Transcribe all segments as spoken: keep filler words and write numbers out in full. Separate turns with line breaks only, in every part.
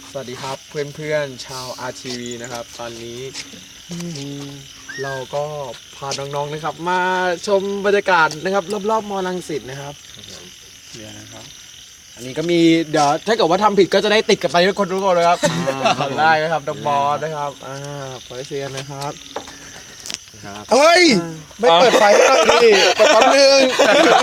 สวัสดีครับเพื่อนๆชาว อาร์ ที วี นะครับตอนนี้เราก็พาน้องๆนะครับมาชมบรรยากาศนะครับรอบๆมอลังสิตนะครับเดี๋ยวนะครับอันนี้ก็มีเดี๋ยวถ้าเกิดว่าทำผิดก็จะได้ติดกันไปทุกคนทุกคนเลยครับทำได้นะครับดับบอสนะครับอ่าขอให้เชียร์นะครับเฮ้ยไม่เปิดไฟให้หน่อยดิเปิดแป๊บนึง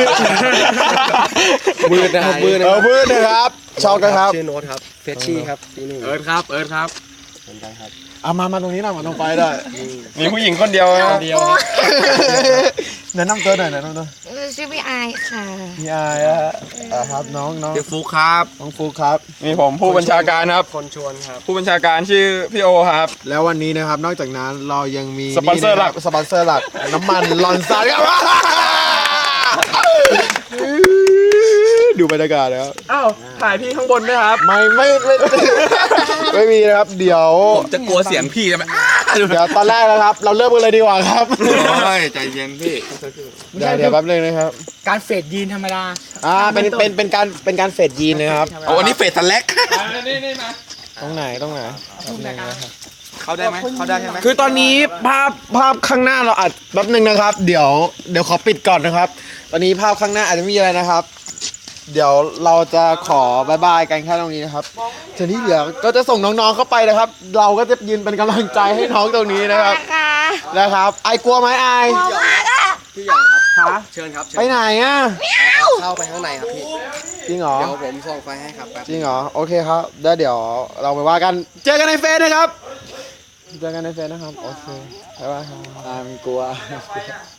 มืดนะครับมืดนะครับมืดนะครับช็อกนะครับ
ชื่อโน้ตครับเฟชชี่ครับปีหนึ่ง
เอิร์ธครับเอิร์ธครับ
สนใจครับ
เอามามาตรงนี้หน่อยมาตรงไฟได้
มีผู้หญิงคนเดียวนะ
เดียวแนะนำตัวหน่อยแนะนำตัว
ชื่อพี่อายค่ะ
พี่อายอะอ่าครับน้องน้อง
ชื่อฟุกครับ
น้องฟูครับ
มีผมผู้บัญชาการครับ
คนชวนครับ
ผู้บัญชาการชื่อพี่โอครับ
แล้ววันนี้นะครับนอกจากนั้นเรายังมี
สปอนเซอร์หลัก
สปอนเซอร์หลักน้ำมันลอนซานครับดูบรรยากาศนะครับ
อ้าวถ่ายพี่ข้างบนด้วยครับ
ไม่ไม่ไม่ไม่มีนะครับเดี๋ยว
จะกลัวเสียงพี่จะไหม
เดี๋ยวตอนแรกนะครับ เราเริ่มกันเลยดีกว่าครับ
ใจเย็นพี่
เดี๋ยวเดี๋ยวแป๊บนึงนะครับ
การเฟดยีนธรรมดา
อ่าเป็นเป็นเป็นการเป็นการเฟดยีนนะครับ
โอ้อันนี้เฟสทันแลก
ตรงไหนตรงไหนแป๊บนึงนะครับ
เขาได้ไหมเขาได้ใช่ไหม
คือตอนนี้ภาพภาพข้างหน้าเราอัดแป๊บนึงนะครับ เดี๋ยวเดี๋ยวขอปิดก่อนนะครับ ตอนนี้ภาพข้างหน้าอาจจะไม่มีอะไรนะครับ เดี๋ยวเราจะขอบายบายกันแค่ตรงนี้นะครับทีนี้เหลือก็จะส่งน้องๆเข้าไปนะครับ เราก็จะยืนเป็นกำลังใจให้น้องตรงนี้นะครับ
ค่ะ
นะครับไอกลัวไหมไอ
มองมากอ่ะ
พี่หยางครับ
ฮะ
เชิญครับเชิญ
ไปไหนอ่ะ
เข้าไปข้างในครับพี่
จริงเหรอ
เดี๋ยวผมส่งไฟให้ครับแป๊บ
จริงเหรอโอเคครับแล้วเดี๋ยวเราไปว่ากันเจอกันในเฟซนะครับเจอกันในเฟซนะครับโอเคบ๊ายบายครับอ่ามันกลัว